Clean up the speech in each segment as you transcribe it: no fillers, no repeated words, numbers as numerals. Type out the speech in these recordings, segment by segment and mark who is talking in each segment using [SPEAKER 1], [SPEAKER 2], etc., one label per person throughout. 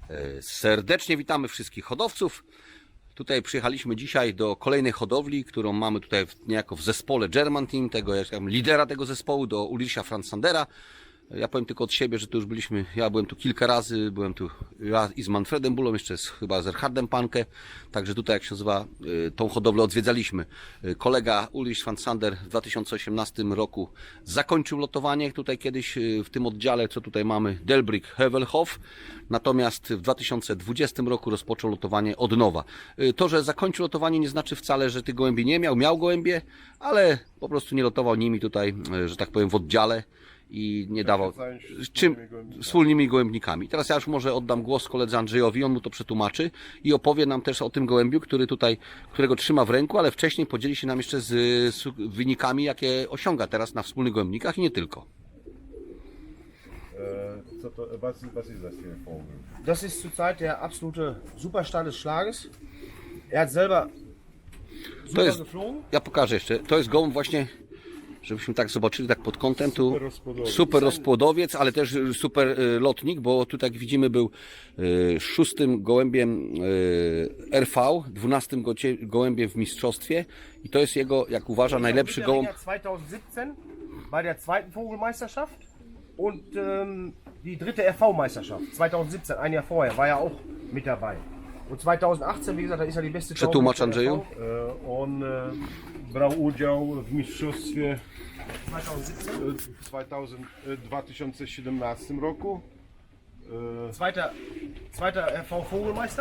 [SPEAKER 1] Serdecznie witamy wszystkich hodowców. Tutaj przyjechaliśmy dzisiaj do kolejnej hodowli, którą mamy tutaj niejako w zespole German Team, tego lidera tego zespołu, do Ulricha Fransandera. Ja powiem tylko od siebie, że tu już byliśmy, ja byłem tu kilka razy, byłem tu i z Manfredem Bullą, jeszcze chyba z Erhardem Panke, także tutaj, jak się nazywa, tą hodowlę odwiedzaliśmy. Kolega Ulrich Fransander w 2018 roku zakończył lotowanie tutaj kiedyś w tym oddziale, co tutaj mamy, Delbrück Heuvelhof, natomiast w 2020 roku rozpoczął lotowanie od nowa. To, że zakończył lotowanie, nie znaczy wcale, że tych gołębi nie miał, miał gołębie, ale po prostu nie lotował nimi tutaj, że tak powiem, w oddziale i nie dawał wspólnymi gołębnikami. Teraz ja już może oddam głos koledze Andrzejowi, on mu to przetłumaczy i opowie nam też o tym gołębiu, którego trzyma w ręku, ale wcześniej podzieli się nam jeszcze z wynikami, jakie osiąga teraz na wspólnych gołębnikach i nie tylko.
[SPEAKER 2] Was ist das für ein Vogel?
[SPEAKER 3] Das ist zurzeit der absolute Superstar des Schlages. Er hat selber super geflogen.
[SPEAKER 1] Ja pokażę jeszcze, to jest gołąb właśnie, żebyśmy tak zobaczyli tak pod kątem, tu super rozpłodowiec, ale też super lotnik, bo tu tak widzimy był szóstym gołębiem RV, 12 gołębiem w mistrzostwie i to jest jego, jak uważa, najlepszy gołąb.
[SPEAKER 3] 2017 bei der zweiten Vogelmeisterschaft und die dritte RV-Meisterschaft 2017, ein Jahr vorher, war er auch mit dabei. Und 2018, wie gesagt, da ist er die beste
[SPEAKER 1] Przetłumacz, Andrzeju.
[SPEAKER 2] On brał udział w mistrzostwie 2017 roku.
[SPEAKER 3] Zweiter RV Vogelmeister.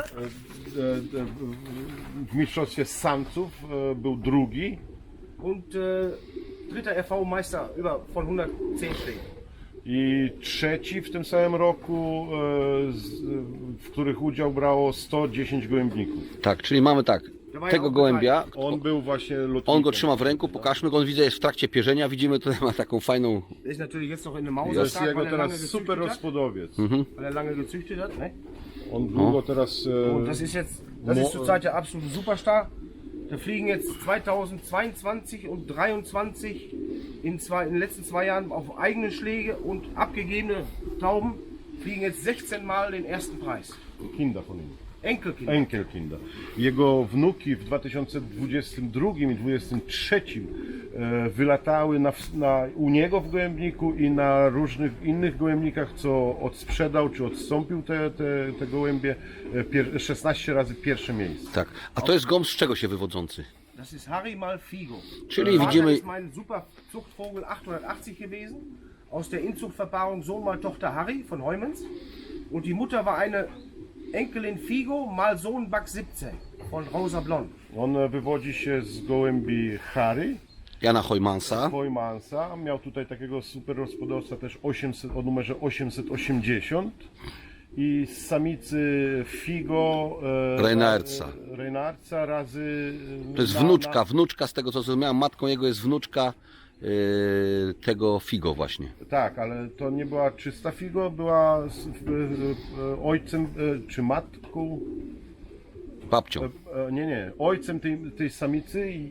[SPEAKER 2] W mistrzostwie samców był drugi.
[SPEAKER 3] Und dritter RV Meister von 110 Schlägen.
[SPEAKER 2] I trzeci w tym samym roku, w których udział brało 110 gołębników.
[SPEAKER 1] Tak, czyli mamy tak, tego gołębia,
[SPEAKER 2] On był właśnie lotnikiem.
[SPEAKER 1] on go trzyma w ręku, pokażmy go, on widzę jest w trakcie pierzenia, widzimy tutaj ma taką fajną...
[SPEAKER 3] Ist natürlich jetzt noch in der
[SPEAKER 2] To
[SPEAKER 3] Mauser
[SPEAKER 2] jest jego teraz super rozpłodowiec.
[SPEAKER 3] weil er lange gezüchtet hat. Ne?
[SPEAKER 2] On długo teraz...
[SPEAKER 3] Und das ist zurzeit der absolute Superstar. Da fliegen jetzt 2022 und 2023 in den letzten 2 Jahren auf eigene Schläge und abgegebene Tauben fliegen jetzt 16 Mal den ersten Preis.
[SPEAKER 2] Kinder von ihm.
[SPEAKER 3] Enkelkinder.
[SPEAKER 2] Enkelkinder. Jego wnuki w 2022 i 2023 wylatały u niego w gołębniku i na różnych innych gołębnikach, co odsprzedał czy odstąpił te gołębie, 16 razy pierwsze miejsce.
[SPEAKER 1] Tak, a to jest gołąb z czego się wywodzący?
[SPEAKER 3] Das ist Harry mal Figo.
[SPEAKER 1] Czyli
[SPEAKER 3] Vater
[SPEAKER 1] widzimy...
[SPEAKER 3] ist mein super Zuchtvogel 880 gewesen. Aus der Inzuchtverpaarung Sohn mal Tochter Harry von Heumens. Und die Mutter war eine Enkelin Figo mal Sohn Buck 17 von Rosa Blond.
[SPEAKER 2] On wywodzi się z gołębi Harry,
[SPEAKER 1] Jana Heumansa.
[SPEAKER 2] Heumansa. Miał tutaj takiego super rozpłodowca też o numerze 880 i z samicy Figo Reinhardtsa razy...
[SPEAKER 1] To jest wnuczka z tego co zrozumiałem, matką jego jest wnuczka tego Figo właśnie.
[SPEAKER 2] Tak, ale to nie była czysta Figo, była ojcem czy matką...
[SPEAKER 1] Babcią.
[SPEAKER 2] Nie, ojcem tej samicy i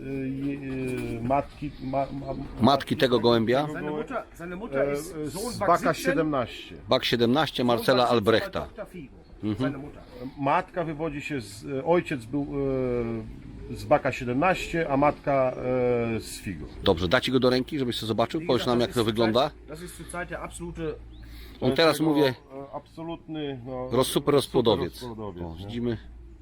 [SPEAKER 1] Matki tego gołębia.
[SPEAKER 3] Seine Mutter ist Sohn
[SPEAKER 2] z
[SPEAKER 3] Buck
[SPEAKER 2] Baka
[SPEAKER 3] 17.
[SPEAKER 2] 17.
[SPEAKER 1] Bak 17 Marcela Albrechta.
[SPEAKER 3] Tochter Figo. Seine Mutter.
[SPEAKER 2] Matka wywodzi się ojciec był z Baka 17, a matka z Figo.
[SPEAKER 1] Dobrze, dać go do ręki, żebyś to zobaczył? Powiedz nam jak to wygląda.
[SPEAKER 3] Das ist zurzeit der absolute...
[SPEAKER 1] On teraz mówię
[SPEAKER 2] absolutny
[SPEAKER 1] super rozpłodowiec.
[SPEAKER 2] rozpłodowiec,
[SPEAKER 1] O,
[SPEAKER 2] nie?
[SPEAKER 1] widzimy.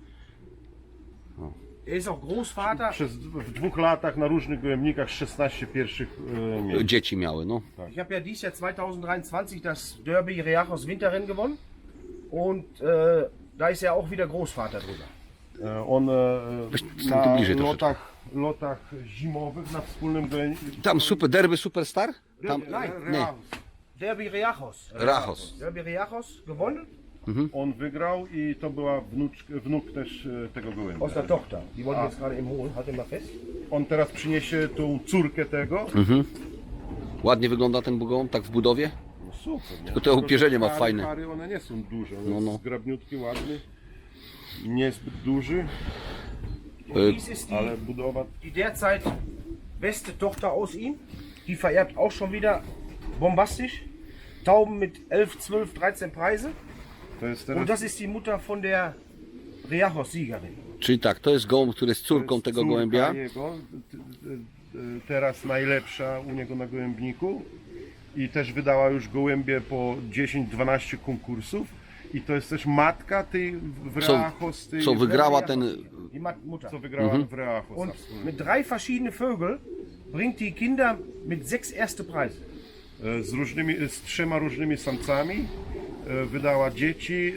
[SPEAKER 3] Er ist auch Großvater.
[SPEAKER 2] W 2 latach na różnych gołębnikach 16 pierwszych miejsc.
[SPEAKER 1] Dzieci miały, no.
[SPEAKER 3] Ich habe ja dieses Jahr 2023 das Derby Reachos Winterrennen gewonnen und da ist er auch wieder Großvater drüber.
[SPEAKER 2] On
[SPEAKER 1] Stań tu bliżej
[SPEAKER 2] na
[SPEAKER 1] troszeczkę.
[SPEAKER 2] lotach zimowych na wspólnym gołębniku.
[SPEAKER 1] Tam derby Superstar? Tam, nie,
[SPEAKER 3] Derby Reachos.
[SPEAKER 1] Rachos.
[SPEAKER 3] Derby Reachos gewonnen.
[SPEAKER 2] On wygrał i to była wnuk też tego gołębia.
[SPEAKER 3] Aus der Tochter. Die wollte ich jetzt gerade eben holen. Halt den mal fest.
[SPEAKER 2] On teraz przyniesie tą córkę tego.
[SPEAKER 1] Ładnie wygląda ten gołąb, tak w budowie.
[SPEAKER 2] No super, nie?
[SPEAKER 1] Tylko to upierzenie ma fajne.
[SPEAKER 2] Pary one nie są duże, on
[SPEAKER 1] No.
[SPEAKER 2] jest zgrabniutki, ładny. Niezbyt duży,
[SPEAKER 3] Dies ist
[SPEAKER 2] ale budowa...
[SPEAKER 3] die derzeit beste Tochter aus ihm. Die vererbt auch schon wieder bombastisch. Tauben mit 11, 12, 13 Preise.
[SPEAKER 2] To jest
[SPEAKER 3] Und
[SPEAKER 2] teraz
[SPEAKER 3] das ist die Mutter von der Reachos-Siegerin.
[SPEAKER 1] Czyli tak, to jest gołąb, który jest córką tego
[SPEAKER 2] córka
[SPEAKER 1] gołębia.
[SPEAKER 2] Jego, teraz najlepsza u niego na gołębniku i też wydała już gołębie po 10-12 konkursów i to jest też matka tej w Reachos, tej,
[SPEAKER 1] Co wygrała ten...
[SPEAKER 3] Die Mutter.
[SPEAKER 2] co wygrała w Reachos.
[SPEAKER 3] Und mit 3 verschiedenen Vögeln bringt die Kinder mit 6 erste Preise.
[SPEAKER 2] Z 3 różnymi samcami wydała dzieci,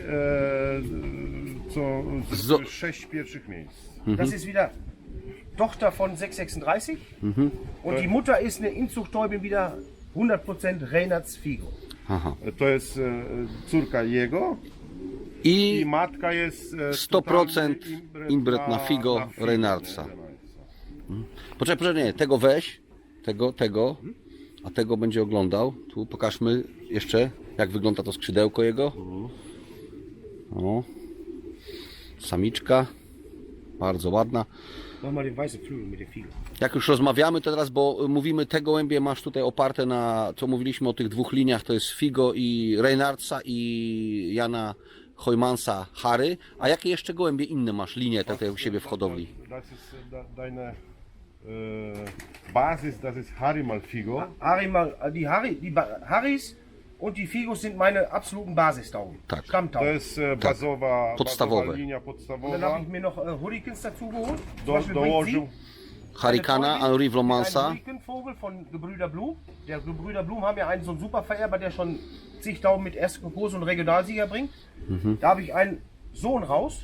[SPEAKER 2] co zdobyły 6 pierwszych miejsc.
[SPEAKER 3] Das ist wieder Tochter von 636 und die Mutter ist eine Inzuchttäubin wieder 100% Reinhards Figo.
[SPEAKER 1] Aha.
[SPEAKER 2] To jest córka jego i
[SPEAKER 1] I
[SPEAKER 2] matka jest
[SPEAKER 1] 100%
[SPEAKER 2] totalny
[SPEAKER 1] inbred na Figo Reinhardsa. Poczekaj, nie, tego weź, tego, a tego będzie oglądał. Tu pokażmy jeszcze, jak wygląda to skrzydełko jego. O. Samiczka, bardzo ładna.
[SPEAKER 3] Mach mal den weißen Flügel mit dem Figo.
[SPEAKER 1] Jak już rozmawiamy to teraz, bo mówimy, te gołębie masz tutaj oparte na, co mówiliśmy o tych dwóch liniach, to jest Figo i Reinhardsa i Jana Hojmansa Harry. A jakie jeszcze gołębie inne masz linie tutaj u siebie w hodowli?
[SPEAKER 2] Das ist deine Basis, das ist Harimal Figo.
[SPEAKER 3] Die Harrys und die Figos sind meine absoluten Basistauben.
[SPEAKER 1] Tak.
[SPEAKER 2] To
[SPEAKER 3] Stammtauben.
[SPEAKER 2] jest bazowa,
[SPEAKER 1] Podstawowe.
[SPEAKER 2] bazowa linia
[SPEAKER 3] Und dann
[SPEAKER 2] podstawowa.
[SPEAKER 3] habe ich mir noch Hurricanes dazu geholt. Zum Beispiel bringt
[SPEAKER 2] Dołożył
[SPEAKER 3] sie
[SPEAKER 1] Harikana, Henri
[SPEAKER 3] Ein
[SPEAKER 1] Vlomansa.
[SPEAKER 3] Hurrikanvogel von Gebrüder Blum. Der Gebrüder Blum haben ja einen so einen super Vererber, der schon zigtausend mit ersten Konkurs und Regionalsieger bringt. Da habe ich einen Sohn raus.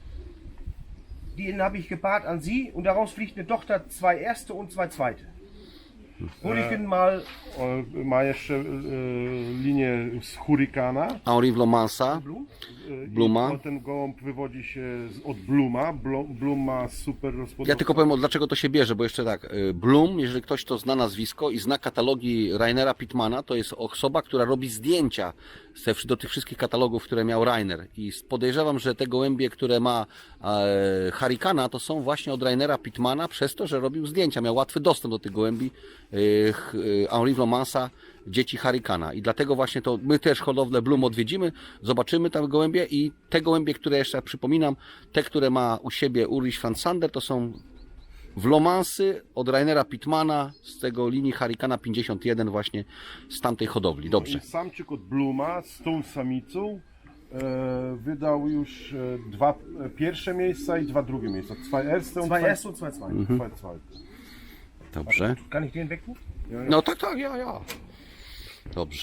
[SPEAKER 3] Den habe ich gepaart an sie und daraus fliegt eine Tochter, 2 erste und 2 zweite. Hurrikan mal
[SPEAKER 2] ma jeszcze linię z Hurrikana.
[SPEAKER 1] Henri Vlomansa,
[SPEAKER 3] Blum.
[SPEAKER 1] Bluma.
[SPEAKER 2] Ten gołąb wywodzi się od Bluma. Blum ma super
[SPEAKER 1] Ja
[SPEAKER 2] rozpoznawalność.
[SPEAKER 1] tylko powiem, dlaczego to się bierze, bo jeszcze tak, Blum, jeżeli ktoś to zna nazwisko i zna katalogi Rainera Pittmana, to jest osoba, która robi zdjęcia do tych wszystkich katalogów, które miał Rainer. I podejrzewam, że te gołębie, które ma Harikana, to są właśnie od Rainera Pittmana, przez to, że robił zdjęcia, miał łatwy dostęp do tych gołębi Henri Vlomansa, dzieci Harikana. I dlatego właśnie to my też hodowlę Blum odwiedzimy, zobaczymy tam gołębie i te gołębie, które jeszcze przypominam, te, które ma u siebie Ulrich Franzander, to są Vlomansy od Rainera Pittmana z tego linii Harikana 51 właśnie z tamtej hodowli. Dobrze.
[SPEAKER 2] I samczyk od Bluma z tą samicą wydał już 2 pierwsze miejsca i 2 drugie miejsca. 2 erste und
[SPEAKER 3] 2
[SPEAKER 2] 2
[SPEAKER 3] erste und 2 zweite.
[SPEAKER 2] zweite.
[SPEAKER 1] Dobrze.
[SPEAKER 3] Kann ich den wegtun?
[SPEAKER 1] No tak, ja. Dobrze.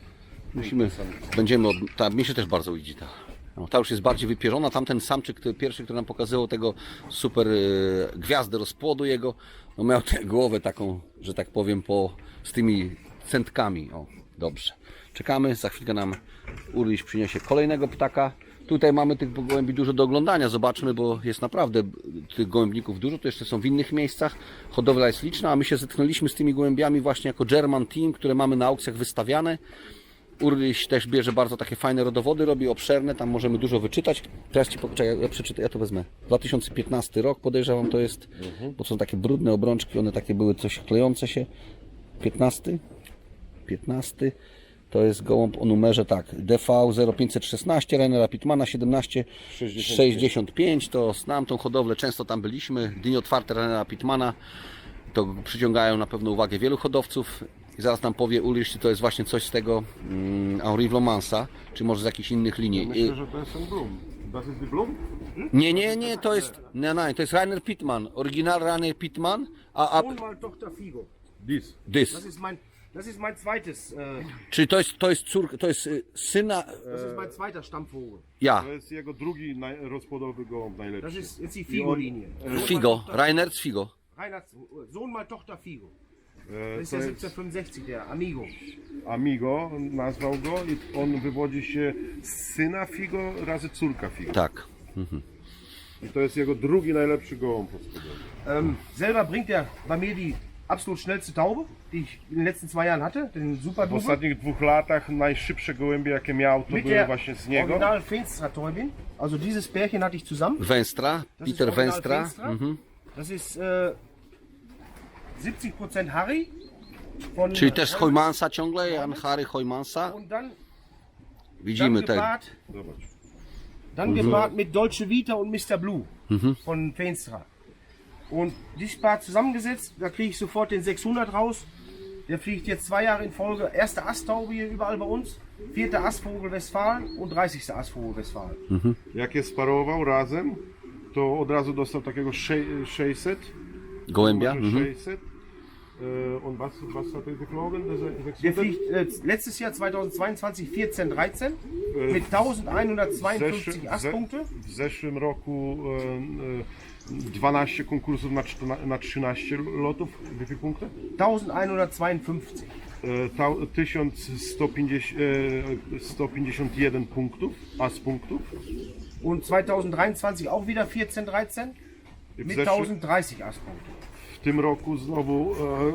[SPEAKER 1] Będziemy, mi się też bardzo idzie ta. No, ta już jest bardziej wypierzona. Tamten samczyk, pierwszy, który nam pokazywał tego super gwiazdę rozpłodu jego, no miał tę głowę taką, że tak powiem, z tymi centkami. O, dobrze. Czekamy, za chwilkę nam Ulrich przyniesie kolejnego ptaka. Tutaj mamy tych gołębi dużo do oglądania, zobaczmy, bo jest naprawdę tych gołębników dużo, to jeszcze są w innych miejscach, hodowla jest liczna, a my się zetknęliśmy z tymi gołębiami właśnie jako German Team, które mamy na aukcjach wystawiane. Urlich też bierze bardzo takie fajne rodowody, robi obszerne, tam możemy dużo wyczytać. Teraz Ci poczekaj, ja przeczytam, ja to wezmę. 2015 rok podejrzewam to jest, bo są takie brudne obrączki, one takie były coś klejące się. 15? To jest gołąb o numerze tak, DV 0516 Rainera Pittmana 1765, to znam tą hodowlę, często tam byliśmy, dni otwarte Rainera Pittmana, to przyciągają na pewno uwagę wielu hodowców. I zaraz nam powie Ulrich, czy to jest właśnie coś z tego Henri Vlomansa, czy może z jakichś innych linii.
[SPEAKER 2] Myślę, że to jest ten Blum. Das ist die Blum?
[SPEAKER 1] Nie, to jest, to jest Rainer Pittman, oryginal Rainer Pittman, a
[SPEAKER 3] Sohn mal Tochter Figo.
[SPEAKER 2] Dis.
[SPEAKER 1] this.
[SPEAKER 3] Das ist mein zweites.
[SPEAKER 1] Czyli to jest córka, to jest syna,
[SPEAKER 3] Das ist mein zweiter Stammvogel.
[SPEAKER 1] ja,
[SPEAKER 2] To jest jego drugi rozpłodowy gołąb najlepszy.
[SPEAKER 3] Das ist jetzt die Figo-Linie.
[SPEAKER 1] Figo, Rainer z Figo.
[SPEAKER 3] Reinhards Sohn mal Tochter Figo. Das ist
[SPEAKER 2] To
[SPEAKER 3] der
[SPEAKER 2] jest
[SPEAKER 3] 1765, der Amigo.
[SPEAKER 2] Amigo, nazwał go i on wywodzi się z syna Figo razy córka Figo.
[SPEAKER 1] Tak.
[SPEAKER 2] I to jest jego drugi najlepszy gołąb.
[SPEAKER 3] Selber bringt er bei mir die absolut schnellste Taube, die ich in den letzten 2 Jahren hatte, den Super
[SPEAKER 2] W
[SPEAKER 3] Duper.
[SPEAKER 2] ostatnich 2 latach najszybsze gołębie jakie miał to
[SPEAKER 3] Mit
[SPEAKER 2] były
[SPEAKER 3] der
[SPEAKER 2] właśnie z niego.
[SPEAKER 3] Original Feenstra Täubin. Also dieses Pärchen hatte ich zusammen.
[SPEAKER 1] Wenstra,
[SPEAKER 3] Das ist
[SPEAKER 1] Peter
[SPEAKER 3] Original
[SPEAKER 1] Wenstra.
[SPEAKER 3] Feenstra. Das ist 70% Harry. Von,
[SPEAKER 1] Czyli też Hojmansa ciągle, Jan Harry Hojmansa.
[SPEAKER 3] Und dann
[SPEAKER 1] Widzimy te.
[SPEAKER 2] Zobacz.
[SPEAKER 3] Dann gepaart mit Dolce Vita und Mr. Blue von Feenstra. Und dieses Paar zusammengesetzt, da kriege ich sofort den 600 raus. Der fliegt jetzt 2 Jahre in Folge. Erste Asttaube hier überall bei uns. 4. Astvogel Westfalen und 30. Astvogel Westfalen.
[SPEAKER 2] Jak je sparował razem, to od razu dostał takiego 600.
[SPEAKER 1] Gołębia?
[SPEAKER 2] Numerze 600. Und was hat er geflogen?
[SPEAKER 3] Der fliegt letztes Jahr 2022 14, 13 mit 1152 Astpunkte.
[SPEAKER 2] W zeszłym roku 12 konkursów na 13 lotów. Jakie punkty?
[SPEAKER 3] 1152.
[SPEAKER 2] 151 punktów, punktów.
[SPEAKER 3] Und 2023 auch wieder 14, 13
[SPEAKER 2] W
[SPEAKER 3] mit
[SPEAKER 2] zeszłym-
[SPEAKER 3] 1030 Astpunkte.
[SPEAKER 2] W tym roku znowu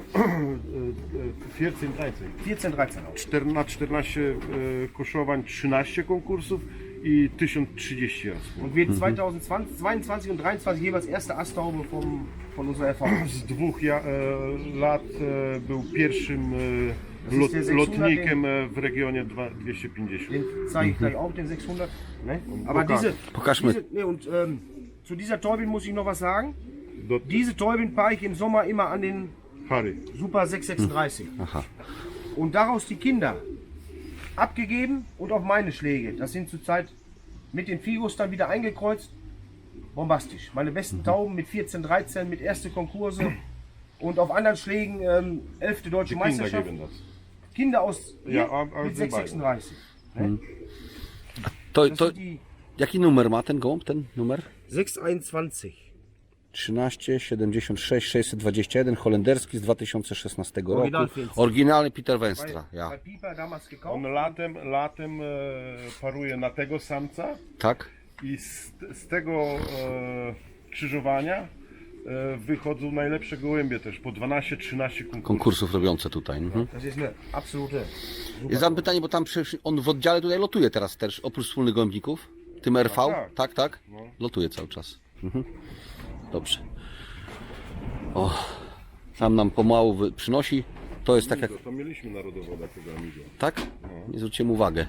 [SPEAKER 2] 14, 13.
[SPEAKER 3] 14, 13 auch.
[SPEAKER 2] Na 14 koszowań 13 konkursów i 1030 raz.
[SPEAKER 3] Und wird 2022 und 2023 jeweils erste Asttaube von unserer Erfahrung.
[SPEAKER 2] Z 2 lat był pierwszym
[SPEAKER 3] Das ist der 600,
[SPEAKER 2] lotnikiem w regionie 250.
[SPEAKER 3] Den zeige ich gleich auch, den 600. Ne? Aber
[SPEAKER 1] Pokaż mir.
[SPEAKER 3] und zu dieser Täubin muss ich noch was sagen.
[SPEAKER 2] Do
[SPEAKER 3] Diese Täubin paare ich im Sommer immer an den
[SPEAKER 2] Harry.
[SPEAKER 3] Super 636.
[SPEAKER 1] Aha.
[SPEAKER 3] Und daraus die Kinder abgegeben und auf meine Schläge. Das sind zurzeit mit den Figos dann wieder eingekreuzt. Bombastisch. Meine besten Tauben mit 14, 13, mit erste Konkurse und auf anderen Schlägen 11. Deutsche
[SPEAKER 2] Kinder
[SPEAKER 3] Meisterschaft.
[SPEAKER 2] geben das.
[SPEAKER 3] Kinder aus
[SPEAKER 2] Ja,
[SPEAKER 3] hier mit 636. Ne?
[SPEAKER 1] To,
[SPEAKER 3] Das
[SPEAKER 1] to,
[SPEAKER 3] sind die
[SPEAKER 1] jaki numer ma ten gołąb, ten numer?
[SPEAKER 3] 621.
[SPEAKER 1] 13 76 621, holenderski z 2016 roku.
[SPEAKER 3] Oryginal Finster.
[SPEAKER 1] Oryginalny Peter Wenstra, ja.
[SPEAKER 3] Bei Pieper damals gekauft.
[SPEAKER 2] On latem paruje na tego samca
[SPEAKER 1] Tak?
[SPEAKER 2] i z tego krzyżowania wychodzą najlepsze gołębie też, po 12-13 konkursów.
[SPEAKER 1] Konkursów robiące tutaj. Mhm.
[SPEAKER 3] Das ist eine absolute.
[SPEAKER 1] Ja zadam pytanie, bo tam przecież on w oddziale tutaj lotuje teraz też, oprócz wspólnych gołębników. Tym RV?
[SPEAKER 2] tak.
[SPEAKER 1] Tak. Lotuje cały czas. Mhm. Dobrze. O, tam nam pomału przynosi. To jest tak jak...
[SPEAKER 2] To mieliśmy narodowo takiego Amigo.
[SPEAKER 1] Tak? Nie zwróciłem uwagę.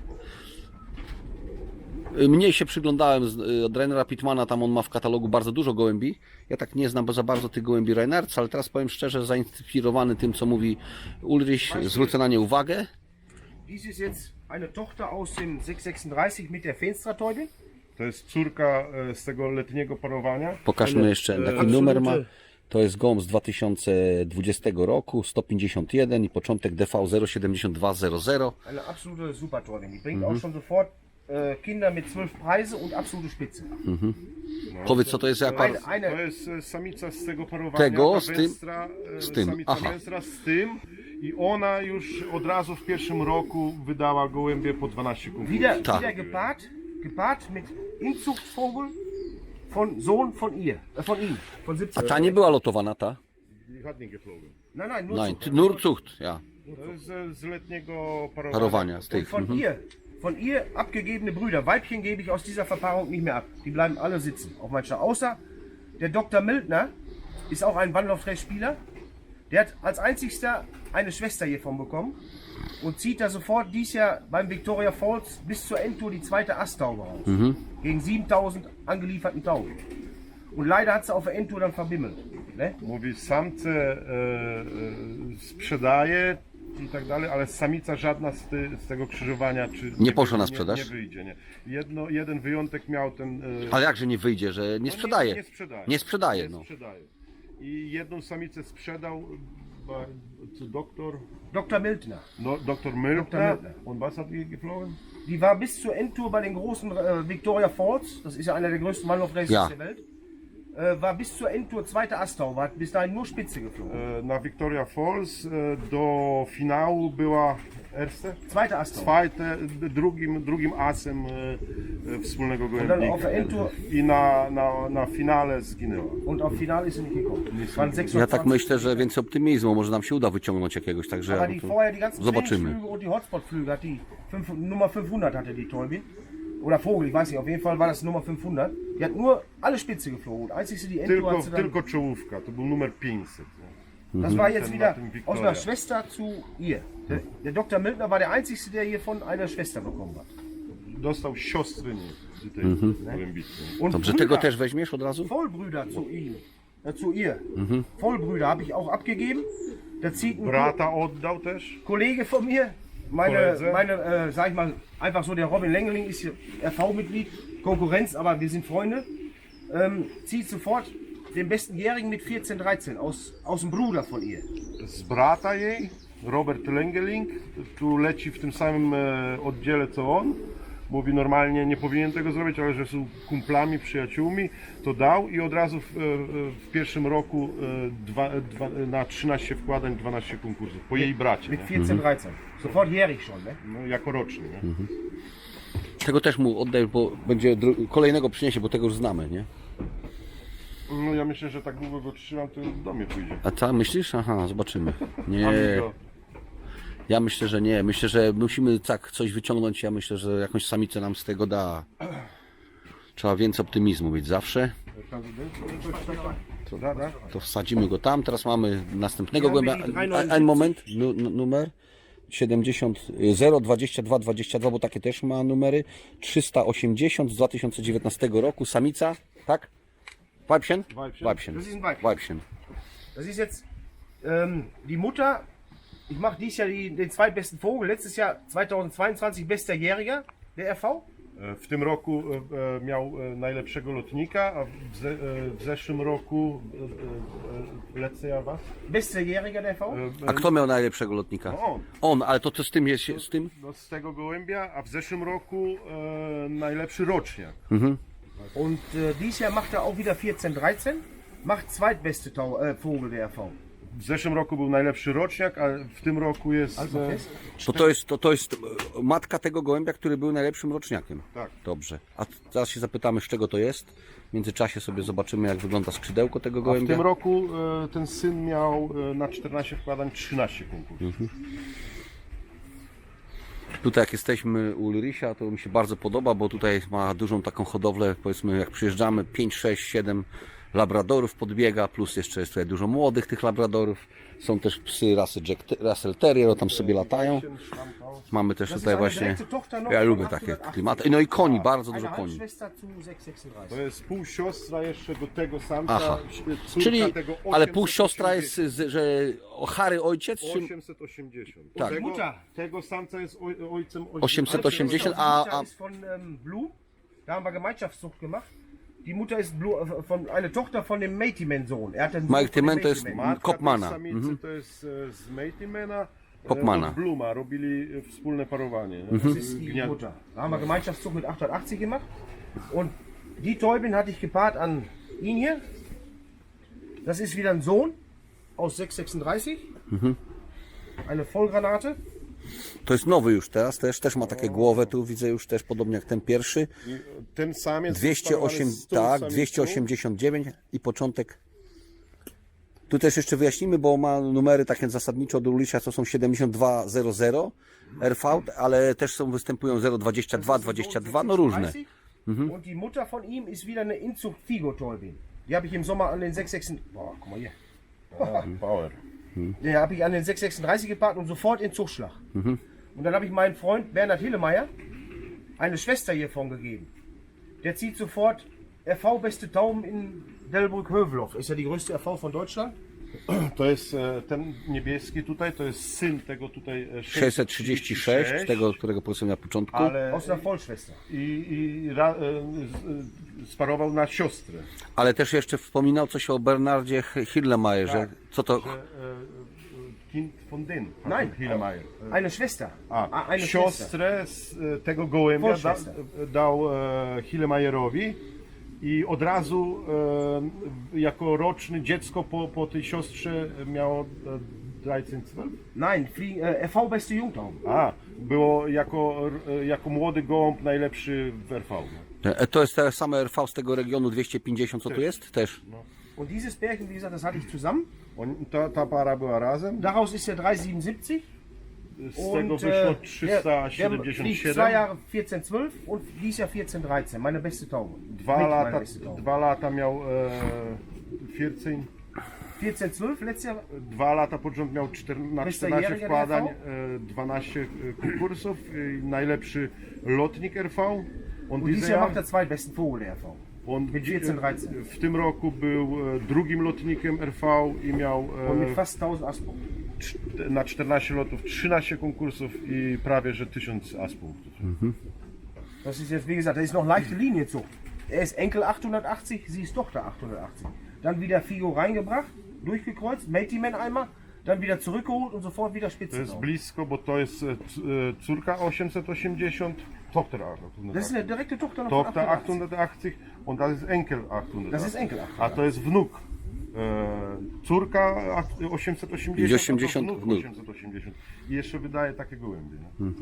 [SPEAKER 1] Mniej się przyglądałem od Rainera Pittmana, tam on ma w katalogu bardzo dużo gołębi. Ja tak nie znam za bardzo tych gołębi Reinerca, ale teraz powiem szczerze, zainspirowany tym, co mówi Ulrich, zwrócę na nie uwagę.
[SPEAKER 3] Dies ist jetzt eine Tochter aus dem 636 mit der Feenstra-Täubin.
[SPEAKER 2] To jest córka z tego letniego parowania.
[SPEAKER 1] Pokażmy jeszcze, jaki numer ma. To jest gołąb z 2020 roku, 151 i początek DV 07200.
[SPEAKER 3] Eine absolute Super-Täubin. Die bringt auch schon sofort Kinder mit 12 Preise und absolute Spitze.
[SPEAKER 1] Powiedz, co to jest za par...
[SPEAKER 2] To jest samica z tego parowania.
[SPEAKER 1] Tego,
[SPEAKER 2] ta
[SPEAKER 1] z tym?
[SPEAKER 2] Wenstra,
[SPEAKER 1] Z tym,
[SPEAKER 2] Samica
[SPEAKER 1] aha.
[SPEAKER 2] Wenstra z tym i ona już od razu w pierwszym roku wydała gołębie po 12 konkursów.
[SPEAKER 3] Wieder gepaart mit Inzuchtvogel von Sohn von ihr, von ihm, von
[SPEAKER 1] A
[SPEAKER 3] 17.
[SPEAKER 1] ta nie była lotowana, ta?
[SPEAKER 2] Die hat nie geflogen.
[SPEAKER 3] Nein, nur
[SPEAKER 1] Nein,
[SPEAKER 3] Zucht.
[SPEAKER 1] nur Zucht, ja.
[SPEAKER 2] To jest z letniego parowania.
[SPEAKER 1] Parowania, z
[SPEAKER 3] Und
[SPEAKER 1] tych.
[SPEAKER 3] von ihr abgegebene Brüder. Weibchen gebe ich aus dieser Verpaarung nicht mehr ab. Die bleiben alle sitzen auf meinem Stall. Außer der Dr. Mildner ist auch ein Wandlaufdrehspieler. Der hat als einzigster eine Schwester hiervon bekommen und zieht da sofort dies Jahr beim Victoria Falls bis zur Endtour die zweite Asttaube raus. Gegen 7000 angelieferten Tauben. Und leider hat sie auf der Endtour dann verbimmelt. Ne?
[SPEAKER 2] Mówi, samce sprzedaje i tak dalej, ale samica żadna z tego krzyżowania czy
[SPEAKER 1] Nie poszła na sprzedaż?
[SPEAKER 2] Nie wyjdzie, nie. Jeden wyjątek miał ten...
[SPEAKER 1] Ale jakże nie wyjdzie, że nie sprzedaje?
[SPEAKER 2] Nie sprzedaje.
[SPEAKER 1] Nie sprzedaje,
[SPEAKER 2] Nie
[SPEAKER 1] no.
[SPEAKER 2] sprzedaje. I jedną samicę sprzedał doktor
[SPEAKER 3] Dr. Mildner.
[SPEAKER 2] Dr. Mildner.
[SPEAKER 3] Mildner.
[SPEAKER 2] Und was hat die geflogen?
[SPEAKER 3] Die war bis zur Endtour bei den großen Victoria Falls, das ist ja einer der größten Wandlaufraces
[SPEAKER 1] Ja.
[SPEAKER 3] der Welt, war bis zur Endtour zweite Asttaube, hat bis dahin nur Spitze geflogen.
[SPEAKER 2] Na Victoria Falls do finału była erste?
[SPEAKER 3] Zweite Asttaube.
[SPEAKER 2] Drugim asem wspólnego
[SPEAKER 3] dann
[SPEAKER 2] gołębnika.
[SPEAKER 3] auf der Endtour
[SPEAKER 2] I na finale zginęła.
[SPEAKER 3] und auf Finale ist sie nicht gekommen. Es waren
[SPEAKER 1] Ja
[SPEAKER 3] 26.
[SPEAKER 1] tak myślę, że więcej optymizmu, może nam się uda wyciągnąć jakiegoś, także
[SPEAKER 3] Aber die vorher die ganzen
[SPEAKER 1] zobaczymy.
[SPEAKER 3] Trainingsflüge und die Hotspot-Flüge hat die Nummer 500 hatte die Täubin. Oder Vogel, ich weiß nicht, auf jeden Fall war das Nummer 500. Die hat nur alle Spitze geflogen. Und als ich sie die Endtour hat sie dann,
[SPEAKER 2] Tylko czołówka, to był numer 500.
[SPEAKER 3] das war jetzt
[SPEAKER 2] Ten
[SPEAKER 3] wieder
[SPEAKER 2] Martin
[SPEAKER 3] aus
[SPEAKER 2] Victoria.
[SPEAKER 3] einer Schwester zu ihr. Der Dr. Mildner war der Einzige, der hiervon eine Schwester bekommen hat.
[SPEAKER 2] dostał siostrę tej gołębicy.
[SPEAKER 3] Und
[SPEAKER 1] Dobrze, tego też weźmiesz od razu?
[SPEAKER 3] Vollbrüder zu ihm, zu ihr. Vollbrüder habe ich auch abgegeben. Da zieht ein
[SPEAKER 2] Brata oddał też.
[SPEAKER 3] Kollege von mir,
[SPEAKER 2] Kollege.
[SPEAKER 3] sag ich mal, einfach so der Robin Lengeling ist hier RV-Mitglied, Konkurrenz, aber wir sind Freunde. Zieht sofort den besten Jährigen mit 14, 13 aus dem Bruder von ihr.
[SPEAKER 2] Z brata jej, Robert Lengeling, tu leci w tym samym oddziale co on. Mówi normalnie nie powinien tego zrobić, ale że są kumplami, przyjaciółmi, to dał i od razu w pierwszym roku na 13 wkładań 12 konkursów, po jej bracie,
[SPEAKER 3] Mit
[SPEAKER 2] nie?
[SPEAKER 3] 14, 13. Sofort jährig schon, ne?
[SPEAKER 2] No, jako roczny. Nie?
[SPEAKER 1] Tego też mu oddaj, bo będzie kolejnego przyniesie, bo tego już znamy, nie?
[SPEAKER 2] No ja myślę, że tak długo go trzymam, to do mnie pójdzie.
[SPEAKER 1] A co, myślisz? Aha, zobaczymy. Nie,
[SPEAKER 2] Amigo.
[SPEAKER 1] ja myślę, że nie. Myślę, że musimy tak coś wyciągnąć. Ja myślę, że jakąś samicę nam z tego da. Trzeba więcej optymizmu mieć zawsze. To wsadzimy go tam. Teraz mamy następnego głębia. Ein moment, numer 70 022 22, bo takie też ma numery. 380 z 2019 roku. Samica, tak? Weibchen? Weibchen.
[SPEAKER 3] Das ist ein Weibchen.
[SPEAKER 1] Weibchen.
[SPEAKER 3] Das ist jetzt die Mutter. Ich mache dieses Jahr den zweitbesten Vogel. Letztes Jahr 2022 bester Jähriger der RV.
[SPEAKER 2] W tym roku miał najlepszego lotnika, a w zeszłym roku lecę ja was?
[SPEAKER 3] Bester Jähriger der RV.
[SPEAKER 1] A kto miał najlepszego lotnika?
[SPEAKER 2] On.
[SPEAKER 1] On, ale to z tym jest, z tym?
[SPEAKER 2] No, z tego gołębia, a w zeszłym roku najlepszy roczniak.
[SPEAKER 3] Und dieses Jahr macht er auch wieder 14, 13. Macht zweitbeste Vogel der RV.
[SPEAKER 2] W zeszłym roku był najlepszy roczniak, a w tym roku jest...
[SPEAKER 3] Also fest.
[SPEAKER 1] To jest matka tego gołębia, który był najlepszym roczniakiem.
[SPEAKER 2] Tak.
[SPEAKER 1] Dobrze. A zaraz się zapytamy, z czego to jest. W międzyczasie sobie zobaczymy, jak wygląda skrzydełko tego
[SPEAKER 2] A w
[SPEAKER 1] gołębia.
[SPEAKER 2] tym roku ten syn miał na 14 wkładań 13 konkursów.
[SPEAKER 1] Tutaj jak jesteśmy u Ulricha, to mi się bardzo podoba, bo tutaj ma dużą taką hodowlę, powiedzmy jak przyjeżdżamy, 5, 6, 7 labradorów podbiega, plus jeszcze jest tutaj dużo młodych tych labradorów. Są też psy rasy Russell Terrier, tam sobie latają. Mamy też tutaj właśnie, ja lubię takie klimaty. No i koni, bardzo dużo
[SPEAKER 3] Eine
[SPEAKER 1] koni.
[SPEAKER 3] Halbschwester zu 636.
[SPEAKER 2] To jest półsiostra jeszcze do tego samca.
[SPEAKER 1] Aha.
[SPEAKER 2] Córka
[SPEAKER 1] Czyli,
[SPEAKER 2] tego
[SPEAKER 1] ale półsiostra jest, że Harry ojciec, czy
[SPEAKER 2] 880.
[SPEAKER 1] Tak.
[SPEAKER 2] Tego samca jest ojcem
[SPEAKER 1] 880,
[SPEAKER 3] Die Mutter
[SPEAKER 1] a
[SPEAKER 3] ist von Blue. Da haben wir Gemeinschaftszucht gemacht. Die Mutter ist Blue, eine Tochter von dem Matiman-Sohn. Er hat den Sohn von dem
[SPEAKER 1] Matiman to jest
[SPEAKER 3] Matiman.
[SPEAKER 2] Kopmana.
[SPEAKER 1] Kopmana.
[SPEAKER 2] Samicy to jest z Matemana.
[SPEAKER 1] Kopmana.
[SPEAKER 2] Bluma robili wspólne parowanie.
[SPEAKER 3] Das ist die Mutter. Da haben wir Gemeinschaftszucht mit 880 gemacht. Und die Täubin hatte ich gepaart an ihn hier. Das ist wieder ein Sohn aus 636. Eine Vollgranate.
[SPEAKER 1] to jest nowy już teraz, też ma takie głowę, tu widzę już też podobnie jak ten pierwszy.
[SPEAKER 2] Ten samiec
[SPEAKER 1] 208,
[SPEAKER 2] sparowany z tą
[SPEAKER 1] tak,
[SPEAKER 2] samicą.
[SPEAKER 1] 289 i początek. Tu też jeszcze wyjaśnimy, bo ma numery takie zasadniczo do Ulricha, to są 7200 RV, ale też są występują 022, 22, no różne.
[SPEAKER 3] Und die Mutter von ihm ist wieder eine Inzucht Figo-Täubin. Die habe ich im Sommer an den 636. Boah, guck mal hier.
[SPEAKER 2] Power.
[SPEAKER 3] Die habe ich an den 636 gepaart und sofort in Zuchtschlag. Und dann habe ich meinem Freund Bernhard Hillemeyer eine Schwester hiervon gegeben. Der zieht sofort RV-beste Tauben in Delbrück-Hövelhof. Ist ja die größte RV von Deutschland.
[SPEAKER 2] To jest ten niebieski tutaj, to jest syn tego tutaj
[SPEAKER 1] 636, tego, którego powiedziałem na początku.
[SPEAKER 2] ale
[SPEAKER 3] Aus einer Vollschwester.
[SPEAKER 2] sparował na siostrę.
[SPEAKER 1] Ale też jeszcze wspominał coś o Bernardzie Hillemayerze. Co to?
[SPEAKER 2] Kind von den.
[SPEAKER 3] Nein,
[SPEAKER 2] Hillemeyer.
[SPEAKER 3] eine Schwester. Eine Schwester.
[SPEAKER 2] Siostrę z tego gołębia
[SPEAKER 3] Vollschwester.
[SPEAKER 2] dał Hillemeyerowi i od razu jako roczny dziecko po tej siostrze miało 13, 12?
[SPEAKER 3] Nein, RV-beste Jungtauben.
[SPEAKER 2] A, było jako młody gołąb najlepszy w RV.
[SPEAKER 1] To jest te same RV z tego regionu 250, co tu jest? Też.
[SPEAKER 3] Und dieses Pärchen, wie gesagt, das hatte ich zusammen.
[SPEAKER 2] Ta para była razem.
[SPEAKER 3] Daraus ist der 377.
[SPEAKER 2] Z tego wyszło
[SPEAKER 3] der fliegt
[SPEAKER 2] 377.
[SPEAKER 3] 2 Jahre 14-12 und dieses Jahr 14-13. Meine beste Taube. Mit meine beste Taube.
[SPEAKER 2] 2 lata miał 14.
[SPEAKER 3] 14-12 letztes Jahr.
[SPEAKER 2] 2 lata pod rząd miał na
[SPEAKER 3] Bester
[SPEAKER 2] 14
[SPEAKER 3] Jäger
[SPEAKER 2] wkładań,
[SPEAKER 3] RV?
[SPEAKER 2] 12 konkursów, najlepszy lotnik RV.
[SPEAKER 3] Und dieses Jahr macht er zweitbesten Vogel der RV. Mit 14-13.
[SPEAKER 2] W tym roku był drugim lotnikiem RV i miał
[SPEAKER 3] Und mit fast 1000 Astpunkten.
[SPEAKER 2] na 14 lotów 13 konkursów i prawie że 1000 aspunktów.
[SPEAKER 3] Das ist jetzt, wie gesagt, das ist noch leichte Linienzucht. Er ist Enkel 880, sie ist Tochter 880. Dann wieder Figo reingebracht, durchgekreuzt, Meltiman einmal, dann wieder zurückgeholt und sofort wieder
[SPEAKER 2] To
[SPEAKER 3] Spitze
[SPEAKER 2] jest
[SPEAKER 3] drauf.
[SPEAKER 2] blisko, bo to jest córka 880, Tochter 880.
[SPEAKER 3] Das ist eine direkte Tochter noch von
[SPEAKER 2] Tochter
[SPEAKER 3] 880.
[SPEAKER 2] 880 und das ist Enkel 880.
[SPEAKER 3] Das ist Enkel 880.
[SPEAKER 2] A to jest wnuk. Córka 880,
[SPEAKER 1] I 80
[SPEAKER 2] a to
[SPEAKER 1] wnuk.
[SPEAKER 2] 880. I jeszcze wydaje takie gołębie. No.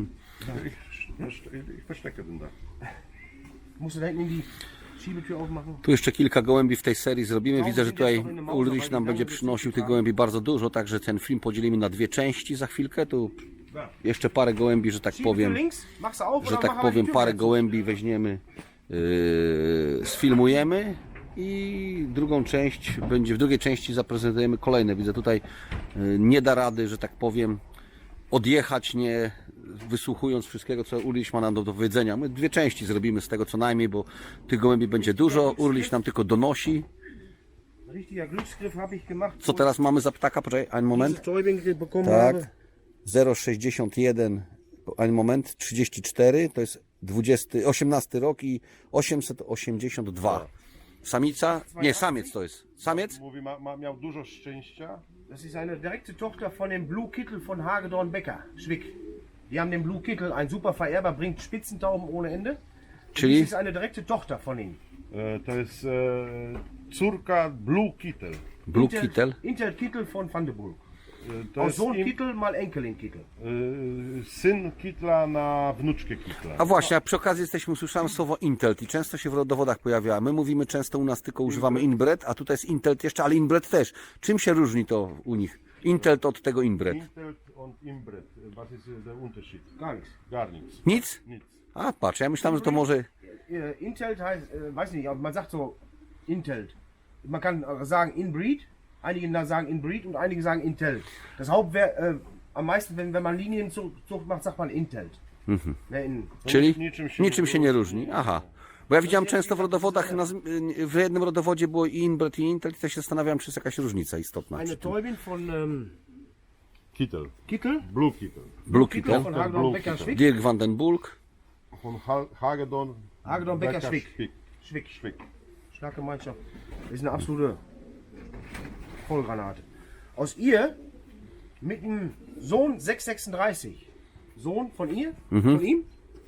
[SPEAKER 2] Ich verstecke den da.
[SPEAKER 3] Musst du da hinten in die Schiebetür aufmachen?
[SPEAKER 1] Tu jeszcze kilka gołębi w tej serii zrobimy. Widzę, że tutaj Ulrich nam będzie przynosił tych gołębi bardzo dużo, także ten film podzielimy na dwie części za chwilkę. Tu jeszcze parę gołębi, że tak
[SPEAKER 3] Schiebetür
[SPEAKER 1] powiem,
[SPEAKER 3] links, machst du auf
[SPEAKER 1] że
[SPEAKER 3] oder
[SPEAKER 1] tak
[SPEAKER 3] machen wir die
[SPEAKER 1] powiem,
[SPEAKER 3] Tür
[SPEAKER 1] parę
[SPEAKER 3] wieder zu?
[SPEAKER 1] gołębi weźmiemy, sfilmujemy i drugą część będzie, w drugiej części zaprezentujemy kolejne. Widzę tutaj nie da rady, że tak powiem, odjechać, nie wysłuchując wszystkiego, co Ulrich ma nam do powiedzenia. My dwie części zrobimy z tego co najmniej, bo tych gołębi będzie dużo. Ulrich nam tylko donosi.
[SPEAKER 3] Richtiger Glücksgriff habe ich gemacht.
[SPEAKER 1] Co teraz mamy za ptaka? Poczekaj, einen moment.
[SPEAKER 3] Dieses Täubing bekommen
[SPEAKER 1] Tak.
[SPEAKER 3] habe.
[SPEAKER 1] 0,61, einen moment, 34, to jest 18 rok i 882. Samica? Nie, samiec to jest. Samiec?
[SPEAKER 2] Mówi, miał dużo szczęścia.
[SPEAKER 3] Das ist eine direkte Tochter von dem Blue Kittel von Hagedorn Becker, Schwick. Die haben den Blue Kittel, ein super Vererber, bringt Spitzentauben ohne Ende. Und
[SPEAKER 1] Czyli?
[SPEAKER 3] dies ist eine direkte Tochter von ihm.
[SPEAKER 2] To jest córka Blue Kittel.
[SPEAKER 1] Blue Kittel.
[SPEAKER 3] Intel Kittel von Van de Bulk.
[SPEAKER 2] To
[SPEAKER 3] Aus
[SPEAKER 2] jest
[SPEAKER 3] Sohn Kittel mal Enkelin Kittel.
[SPEAKER 2] syn Kittla na wnuczkę Kittla.
[SPEAKER 1] A właśnie, a przy okazji jesteśmy, usłyszałem słowo Intelt i często się w rodowodach pojawia. My mówimy często u nas tylko używamy inbred, a tutaj jest Intelt jeszcze, ale inbred też. Czym się różni to u nich? Intelt od tego inbred.
[SPEAKER 2] Intelt und Inbred. Was ist der Unterschied?
[SPEAKER 3] Gar nichts.
[SPEAKER 2] Gar nichts.
[SPEAKER 1] Nic?
[SPEAKER 2] Nic.
[SPEAKER 1] A patrz, ja myślałem, że to może...
[SPEAKER 3] Intelt heißt, weiß nicht, aber man sagt so Intelt. Man kann sagen Inbreed, einige sagen Inbreed und einige sagen Intelt. Das am meisten, wenn man Linienzucht macht, sagt man Intelt. Ja,
[SPEAKER 1] Czyli
[SPEAKER 2] niczym się
[SPEAKER 1] nie różni. Aha. Bo ja widziałem często w rodowodach, w jednym rodowodzie było i inbred i intelt i to się zastanawiałem, czy jest jakaś różnica istotna.
[SPEAKER 3] Eine Täubin von
[SPEAKER 2] Kittel.
[SPEAKER 3] Kittel.
[SPEAKER 2] Blue Kittel.
[SPEAKER 1] Blue
[SPEAKER 3] Kittel
[SPEAKER 1] Kittel,
[SPEAKER 3] von Hagedorn
[SPEAKER 2] Blue
[SPEAKER 3] Becker
[SPEAKER 2] Kittel.
[SPEAKER 3] Schwick.
[SPEAKER 1] Dirk van den Bulk.
[SPEAKER 2] Von Hagedorn.
[SPEAKER 3] Hagedorn Becker Schwick.
[SPEAKER 2] Schwick. Schwick.
[SPEAKER 3] Schlaggemeinschaft. Das ist eine absolute Vollgranate. Aus ihr mit dem Sohn 636. Sohn von ihr, von ihm.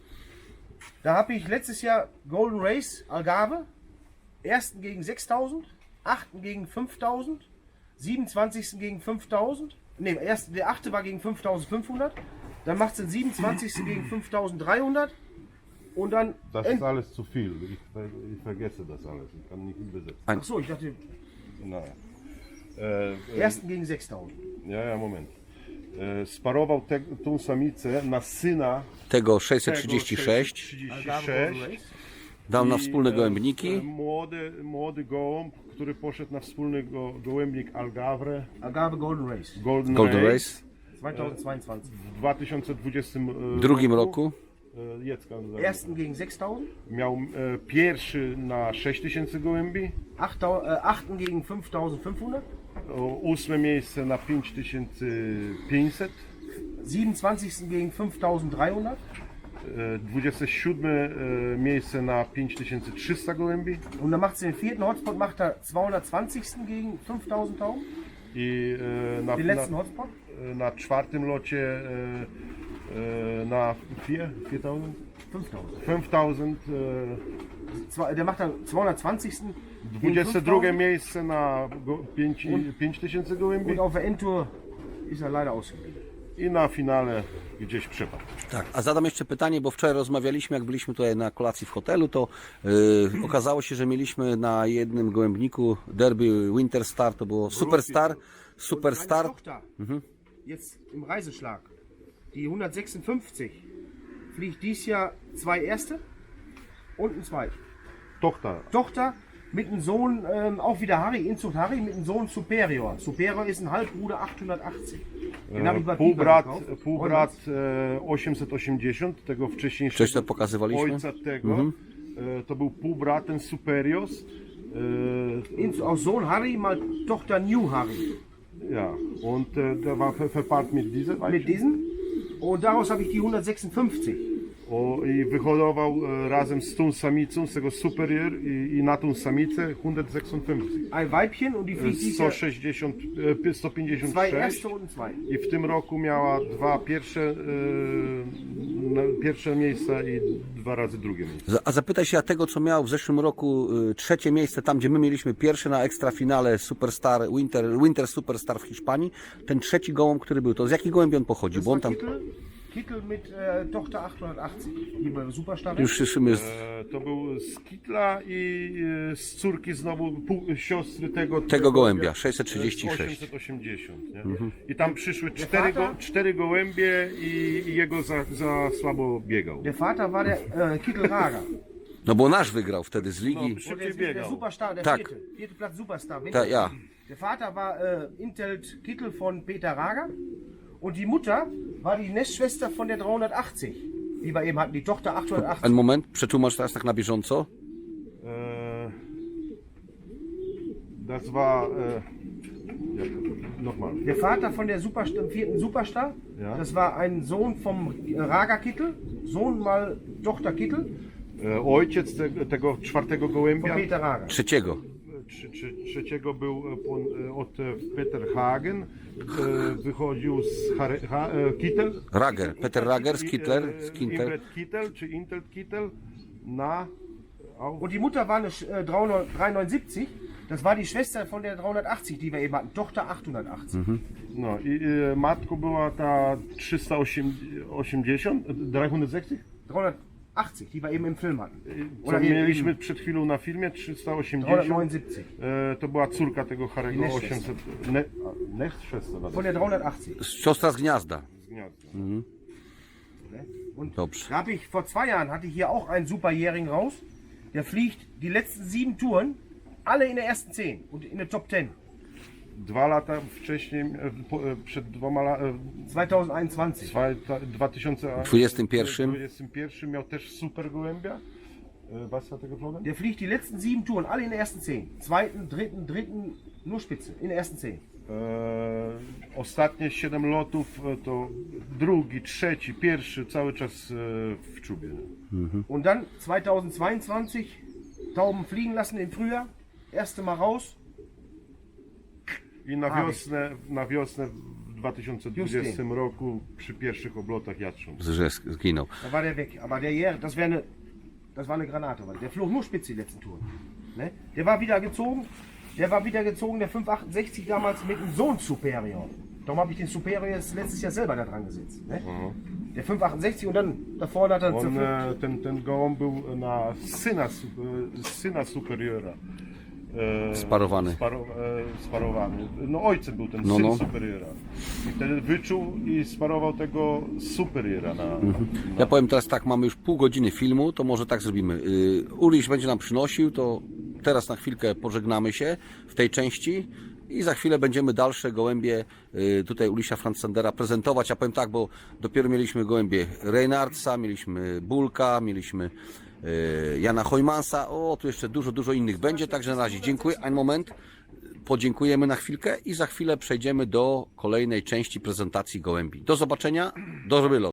[SPEAKER 3] Da habe ich letztes Jahr Golden Race Algarve. Ersten gegen 6000, achten gegen 5000, 27. gegen 5000. Ne, der achte war gegen 5500. Dann macht es den 27. gegen 5300. Und dann.
[SPEAKER 2] Das ist alles zu viel. Ich vergesse das alles. Ich kann nicht übersetzen.
[SPEAKER 3] Ach so, ich dachte,
[SPEAKER 2] Naja.
[SPEAKER 3] ersten gegen 6000.
[SPEAKER 2] Ja, moment. Sparował tą samicę na syna
[SPEAKER 1] Tego 636.
[SPEAKER 2] 36.
[SPEAKER 1] Dał na
[SPEAKER 2] I,
[SPEAKER 1] wspólne gołębniki.
[SPEAKER 2] Młody gołąb, który poszedł na wspólny gołębnik Algarve
[SPEAKER 3] Algarve Golden Race.
[SPEAKER 1] Golden Race.
[SPEAKER 3] 2022.
[SPEAKER 2] w 2020
[SPEAKER 1] drugim roku.
[SPEAKER 2] Jacka
[SPEAKER 3] Ersten gegen 6000.
[SPEAKER 2] miał pierwszy na 6000 gołębi,
[SPEAKER 3] Achten gegen 5500.
[SPEAKER 2] 8 miejsce na 5500,
[SPEAKER 3] 27. gegen 5300.
[SPEAKER 2] 27 miejsce na 5300 gołębi
[SPEAKER 3] Und dann macht sie den vierten Hotspot, macht er 220. gegen 5000 Tauben.
[SPEAKER 2] i
[SPEAKER 3] Den letzten Hotspot.
[SPEAKER 2] na czwartym locie na 4000
[SPEAKER 3] 5000.
[SPEAKER 2] 5000
[SPEAKER 3] Der macht dann 220. gegen
[SPEAKER 2] 22
[SPEAKER 3] 5000.
[SPEAKER 2] miejsce na 5000 gołębi
[SPEAKER 3] Und auf der Endtour ist er leider ausgeblieben.
[SPEAKER 2] i na finale gdzieś przepadł.
[SPEAKER 1] Tak, a zadam jeszcze pytanie, bo wczoraj rozmawialiśmy, jak byliśmy tutaj na kolacji w hotelu, to okazało się, że mieliśmy na jednym gołębniku Derby Winter Star, to było Superstar, Superstar.
[SPEAKER 3] Meine Tochter, jetzt im Reiseschlag, die 156, fliegt dies Jahr zwei Erste und ein Zweit.
[SPEAKER 2] Tochter
[SPEAKER 3] Tochter mit dem Sohn, auch wieder Harry, Inzucht Harry, mit dem Sohn Superior. Superior ist ein Halbbruder 880. Den habe ich bei Pieper gekauft.
[SPEAKER 2] Półbrat 880, tego
[SPEAKER 1] Coś
[SPEAKER 2] wcześniejszego
[SPEAKER 1] to pokazywaliśmy?
[SPEAKER 2] ojca tego. To był półbrat, ten Superios.
[SPEAKER 3] Auch Sohn Harry mal Tochter New Harry.
[SPEAKER 2] Ja, und der war verpaart mit dieser
[SPEAKER 3] Mit
[SPEAKER 2] Weibchen.
[SPEAKER 3] diesem. Und daraus habe ich die 156.
[SPEAKER 2] I wyhodował razem z tą samicą, z tego Superior i na tą samicę 156.
[SPEAKER 3] Ein Weibchen und die fliegt dieses Jahr
[SPEAKER 2] 160,
[SPEAKER 3] zwei
[SPEAKER 2] 156
[SPEAKER 3] erste und zwei.
[SPEAKER 2] i w tym roku miała dwa pierwsze miejsca i dwa razy drugie miejsce.
[SPEAKER 1] A zapytaj się, a tego co miał w zeszłym roku trzecie miejsce, tam gdzie my mieliśmy pierwsze na ekstrafinale Superstar, Winter Superstar w Hiszpanii, ten trzeci gołąb, który był, to z jakich gołębi on pochodzi?
[SPEAKER 3] Das
[SPEAKER 1] Bo on
[SPEAKER 3] war
[SPEAKER 1] tam
[SPEAKER 3] Kittel mit Tochter 880. Die bei Superstar.
[SPEAKER 1] już słyszymy,
[SPEAKER 2] To był z Kitla i z córki znowu siostry
[SPEAKER 1] tego gołębia, 636.
[SPEAKER 2] 880. Nie? I tam przyszły cztery gołębie i jego za słabo biegał.
[SPEAKER 3] Der Vater war der Kittelrager.
[SPEAKER 1] No bo nasz wygrał wtedy z ligi.
[SPEAKER 3] Und der
[SPEAKER 2] biegał.
[SPEAKER 3] Superstar, der
[SPEAKER 1] Tak.
[SPEAKER 3] vierte Platz Superstar.
[SPEAKER 1] Ja.
[SPEAKER 3] Der Vater war Intelt Kittel von Peter Rager und die Mutter war die Nestschwester von der 380, die wir eben hatten, die Tochter 880.
[SPEAKER 1] Ein Moment, przetłumacz teraz tak na bieżąco.
[SPEAKER 2] Das war nochmal.
[SPEAKER 3] Der Vater von der vierten Superstar,
[SPEAKER 2] Ja.
[SPEAKER 3] das war ein Sohn vom Rager Kittel, Sohn mal Tochter Kittel
[SPEAKER 2] Ojciec tego czwartego
[SPEAKER 3] von
[SPEAKER 2] gołębia,
[SPEAKER 3] Peter Rager.
[SPEAKER 1] Trzeciego.
[SPEAKER 2] trzeciego był od Peter Hagen, wychodził z Kittel.
[SPEAKER 1] Rager, Peter Rager z Kittler, z Kinter.
[SPEAKER 2] Inbred Kittel czy Intel Kittel na
[SPEAKER 3] Und die Mutter war eine 379, das war die Schwester von der 380, die wir eben hatten, Tochter 880.
[SPEAKER 2] no i matką była ta 380, 360?
[SPEAKER 3] 380, die wir eben im Film hatten.
[SPEAKER 2] Co mieliśmy przed chwilą na filmie, 380.
[SPEAKER 3] 379.
[SPEAKER 2] To była córka tego Harry'ego
[SPEAKER 3] Next
[SPEAKER 2] 800. Next 600.
[SPEAKER 3] Von der 380.
[SPEAKER 1] Siostra z gniazda.
[SPEAKER 3] Ne? Und
[SPEAKER 1] Dobrze.
[SPEAKER 3] da habe ich vor 2 Jahren hatte ich hier auch einen Superjährigen raus. Der fliegt die letzten 7 Touren, alle in der ersten 10 und in der Top 10.
[SPEAKER 2] 2 lata wcześniej, przed 2 latami,
[SPEAKER 3] 2021.
[SPEAKER 2] 2021 miał też super gołębia. Was hat er geflogen?
[SPEAKER 3] Der fliegt die letzten 7 Touren, alle in der ersten 10. Zweiten, dritten, nur Spitze, in der ersten 10.
[SPEAKER 2] Ostatnie 7 lotów to drugi, trzeci, pierwszy, cały czas w czubie.
[SPEAKER 3] Und dann 2022 Tauben fliegen lassen im Frühjahr, erste Mal raus.
[SPEAKER 2] I na wiosnę w 2020 roku przy pierwszych oblotach jatrząc.
[SPEAKER 1] Że zginął.
[SPEAKER 3] Da war der weg. Aber der Jäger, das war eine Granate, weil der flog nur Spitze die letzten Touren. Ne? Der war wieder gezogen, der 568 damals mit dem Sohn Superior. Darum habe ich den Superior jetzt letztes Jahr selber da dran gesetzt. Ne? Der 568 und dann da vorne hat er
[SPEAKER 2] Ten gołąb był na syna Superiora.
[SPEAKER 1] Sparowany.
[SPEAKER 2] Sparowany. No ojcem był ten
[SPEAKER 1] No,
[SPEAKER 2] syn
[SPEAKER 1] no.
[SPEAKER 2] Superiora. I wtedy wyczuł i sparował tego Superiora
[SPEAKER 1] Ja powiem teraz tak, mamy już pół godziny filmu, to może tak zrobimy. Uliś będzie nam przynosił, to teraz na chwilkę pożegnamy się w tej części i za chwilę będziemy dalsze gołębie tutaj Ulisia Fransandera prezentować. Ja powiem tak, bo dopiero mieliśmy gołębie Reinhardsa, mieliśmy Bulka, mieliśmy Jana Hojmansa, tu jeszcze dużo innych będzie, także na razie dziękuję. Ein moment, podziękujemy na chwilkę i za chwilę przejdziemy do kolejnej części prezentacji gołębi. Do zobaczenia, do wylotu.